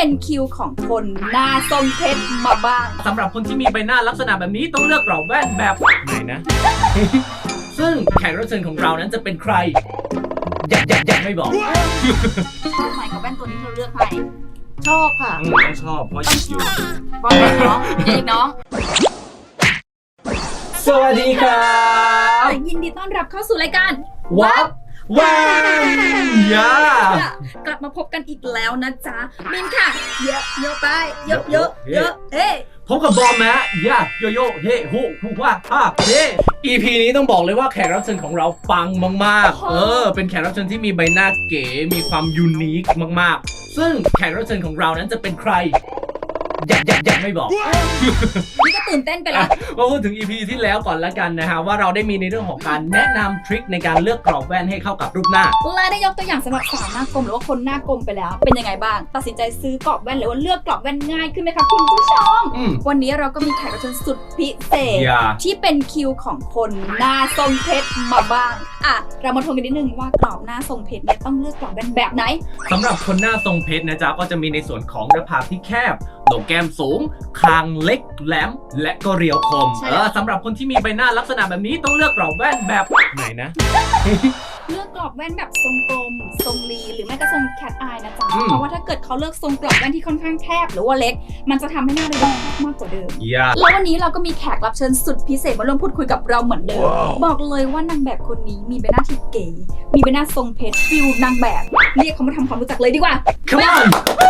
เป็นคิวของคนหน้าทรงเพชรมาบ้างสำหรับคนที่มีใบหน้าลักษณะแบบนี้ต้องเลือกกรอบแว่นแบบไหนนะ ซึ่งแขกรับเชิญของเรานั้นจะเป็นใครยังไม่บอกชอบไหมกับแว่นตัวนี้ที่เราเลือกให้ชอบค่ะต้องชอบเพราะหยิบอยู่บอลน้องเด็กน้องสวัสดีครับยินดีต้อนรับเข้าสู่รายการวับแว่นยากลับมาพบกันอีกแล้วนะจ๊ะมินค่ะเยอะเยอะไปเยอะเยอะเยอะเฮ้พบกับบอมนะยาโยโย่เฮ้ฮูฮูว่าฮ่าเฮ้ EP นี้ต้องบอกเลยว่าแขกรับเชิญของเราปังมากๆเป็นแขกรับเชิญที่มีใบหน้าเก๋มีความยูนิคมากๆซึ่งแขกรับเชิญของเรานั้นจะเป็นใครยังไม่บอกนี่ก็ตื่นเต้นไปแล้วมาพูดถึง EP ที่แล้วก่อนละกันนะฮะว่าเราได้มีในเรื่องของการแนะนำทริคในการเลือกกรอบแว่นให้เข้ากับรูปหน้าและได้ยกตัวอย่างสำหรับสาวหน้ากลมหรือว่าคนหน้ากลมไปแล้ว เป็นยังไงบ้าง ตัดสินใจซื้อกรอบแว่นหรือว่าเลือกกรอบแว่นง่ายขึ้นไหมคะคุณผู้ชม วันนี้เราก็มีแขกรับเชิญสุดพิเศษ ที่เป็นคิวของคนหน้าทรงเพชรมาบ้างเรามาทวนกันนิดนึงว่ากรอบหน้าทรงเพชรเนี่ยต้องเลือกกรอบแว่นแบบไหนสำหรับคนหน้าทรงเพชรนะจ๊ะก็จะมีในส่วนของหน้าผากที่แคบโหนกแก้มสูงคางเล็กแหลมและก็เรียวคมสำหรับคนที่มีใบหน้าลักษณะแบบนี้ต้องเลือกกรอบแว่นแบบไหนนะเลือกกรอบแว่นแบบทรงกลมทรงรีหรือไม่ก็ทรงแคทอายนะจ๊ะเพราะว่าถ้าเกิดเขาเลือกทรงกรอบแว่นที่ค่อนข้างแคบหรือว่าเล็กมันจะทำให้หน้าเราดูมากกว่าเดิมแล้ววันนี้เราก็มีแขกรับเชิญสุดพิเศษมาร่วมพูดคุยกับเราเหมือนเดิมบอกเลยว่านางแบบคนนี้มีใบหน้าที่เก๋มีใบหน้าทรงเพชรฟิลนางแบบเรียกเขามาทำความรู้จักเลยดีกว่า Come on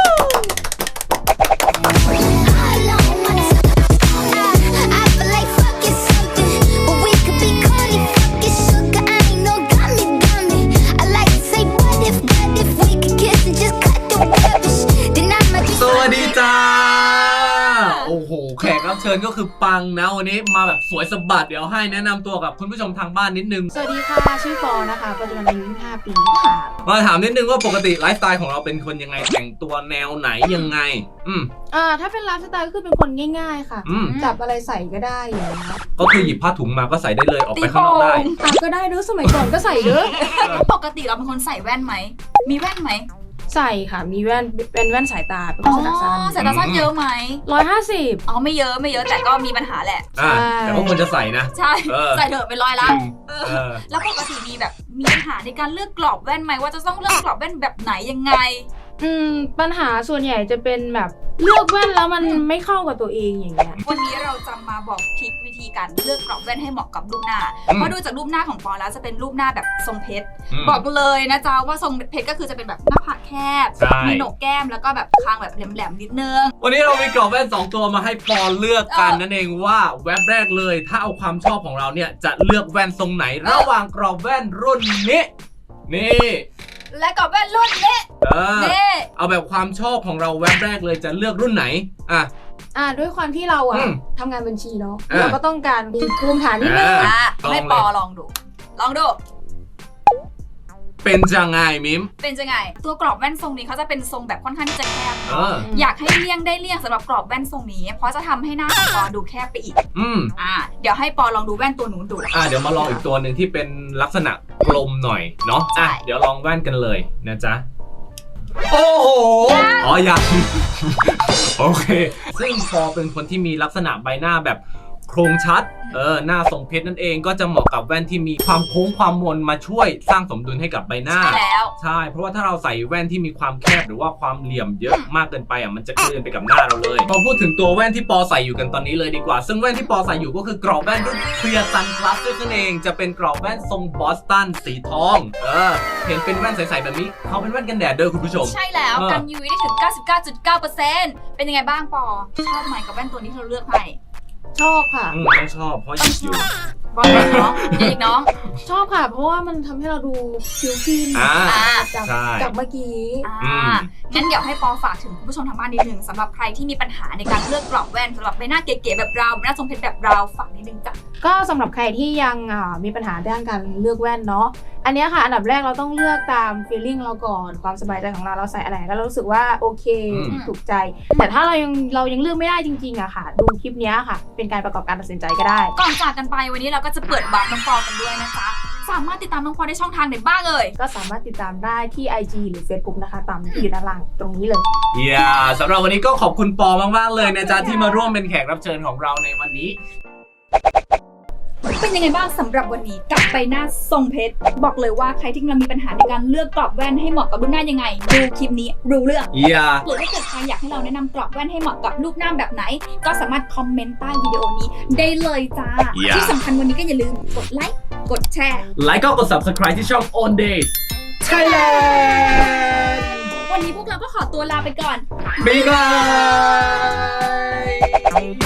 สวัสดีจ้าโอ้โหแขกรับเชิญก็คือปังนะวันนี้มาแบบสวยสะบัดเดี๋ยวให้แนะนำตัวกับคุณผู้ชมทางบ้านนิดนึงสวัสดีค่ะชื่อปอนะคะปัจจุบันอายุ25 ปีค่ะมาถามนิดนึงว่าปกติไลฟ์สไตล์ของเราเป็นคนยังไงแต่งตัวแนวไหนยังไงถ้าเป็นไลฟ์สไตล์ก็คือเป็นคนง่ายๆค่ะจับอะไรใส่ก็ได้อย่างเงี้ยก็คือหยิบผ้าถุงมาก็ใส่ได้เลยออกไปข้างนอกได้ก็ได้ด้วยสมัยก่อนก็ใส่เด้อปกติเราเป็นคนใส่แว่นไหมมีแว่นไหมใส่ค่ะมีแว่นเป็นแว่นสายตาเป็นคนสายตาสั้นสายตาสั้นเยอะไหม 150 ไม่เยอะแต่ก็มีปัญหาแหละแต่พวกมันจะใส่นะใช่ใส่เถอะเป็น100ละแล้วปกติมีปัญหาในการเลือกกรอบแว่นไหมว่าจะต้องเลือกกรอบแว่นแบบไหนยังไงปัญหาส่วนใหญ่จะเป็นแบบเลือกแว่นแล้วมันไม่เข้ากับตัวเองอย่างเงี้ยวันนี้เราจะมาบอกทริควิธีการเลือกกรอบแว่นให้เหมาะกับรูปหน้าเพราะดูจากรูปหน้าของปอแล้วจะเป็นรูปหน้าแบบทรงเพชรบอกเลยนะจ๊ะว่าทรงเพชรก็คือจะเป็นแบบหน้าผากแคบมีโหนกแก้มแล้วก็แบบคางแบบแหลมๆนิดนึงวันนี้เรามีกรอบแว่น2ตัวมาให้ปอเลือกกันนั่นเองว่าแว็บแรกเลยถ้าเอาความชอบของเราเนี่ยจะเลือกแว่นทรงไหนระหว่างกรอบแว่นรุ่นนี้นี่และกรอบแว่นรุ่นนี้เอาแบบความชอบของเราแว็บแรกเลยจะเลือกรุ่นไหนด้วยความที่เราทำงานบัญชีเนาะเราก็ต้องการมีภูมิฐานนิดนึงให้ปอลองดูเป็นจังไงมิมเป็นจังไงตัวกรอบแว่นทรงนี้เขาจะเป็นทรงแบบค่อนข้างที่จะแคบอยากให้เลี่ยงได้เลี่ยงสำหรับกรอบแว่นทรงนี้เพราะจะทำให้หน้าของปอดูแคบไปอีกเดี๋ยวให้ปอลองดูแว่นตัวนู้นดูเดี๋ยวมาลองอีกตัวหนึ่งที่เป็นลักษณะกลมหน่อยเนาะเดี๋ยวลองแว่นกันเลยนะจ๊ะโอ้โหยังโอเคซึ่งปอเป็นคนที่มีลักษณะใบหน้าแบบโครงชัดหน้าทรงเพชรนั่นเองก็จะเหมาะกับแว่นที่มีความโค้งความมนมาช่วยสร้างสมดุลให้กับใบหน้าใช่เพราะว่าถ้าเราใส่แว่นที่มีความแคบหรือว่าความเหลี่ยมเยอะมากเกินไปมันจะกลืนไปกับหน้าเราเลยพอพูดถึงตัวแว่นที่ปอใส่อยู่กันตอนนี้เลยดีกว่าซึ่งแว่นที่ปอใส่อยู่ก็คือกรอบแว่นรุ่น Clear Sunglasses นั่นเองจะเป็นกรอบแว่นทรงบอสตันสีทองเห็นเป็นแว่นใสๆแบบนี้เขาเป็นแว่นกันแดดเด้อคุณผู้ชมใช่แล้วกัน UV ได้ถึง 99.9% เป็นยังไงบ้างปอชอบไหมกับแว่นตัวนี้ที่เราเลือกให้ชอบค่ะต้องชอบเพราะหยิบอยู่บอลน้องเด็กน้องชอบค่ะเพราะว่ามันทำให้เราดูผิวขึ้นจากเมื่อกี้งั้นเดี๋ยวให้ปอฝากถึงคุณผู้ชมทางบ้านนิดนึงสำหรับใครที่มีปัญหาในการเลือกกรอบแว่นสำหรับใบหน้าเก๋ๆแบบเราใบหน้าทรงเพชรแบบเราฝากนิดนึงจ้ะก็สำหรับใครที่ยังมีปัญหาด้านการเลือกแว่นเนาะอันนี้ค่ะอันดับแรกเราต้องเลือกตาม feeling เราก่อนความสบายใจของเราใส่อะไรก็รู้สึกว่าโอเคถูกใจแต่ถ้าเรายังเลือกไม่ได้จริงๆค่ะดูคลิปนี้ค่ะเป็นการประกอบการตัดสินใจก็ได้ก่อนจากกันไปวันนี้เราก็จะเปิดวาร์ปน้องปอกันด้วยนะคะสามารถติดตามน้องพอได้ช่องทางไหนบ้างเอ่ยก็สามารถติดตามได้ที่ IG หรือ Facebook นะคะตามที่อยู่ด้านล่างตรงนี้เลยสำหรับวันนี้ก็ขอบคุณปอมากๆเลยนะจ๊ะที่มาร่วมเป็นแขกรับเชิญของเราในวันนี้เป็นยังไงบ้างสำหรับวันนี้กับใบหน้าทรงเพชรบอกเลยว่าใครที่กำลังมีปัญหาในการเลือกกรอบแว่นให้เหมาะกับรูปหน้ายังไงดูคลิปนี้รู้เรื่องหรือถ้าเกิดใครอยากให้เราแนะนำกรอบแว่นให้เหมาะกับรูปหน้าแบบไหนก็สามารถคอมเมนต์ใต้วิดีโอนี้ได้เลยจ้าที่สำคัญวันนี้ก็อย่าลืมกดไลค์กดแชร์ไลค์ก็กด subscribe ที่ช่อง On Days Thailand วันนี้พวกเราก็ขอตัวลาไปก่อนบ๊ายบาย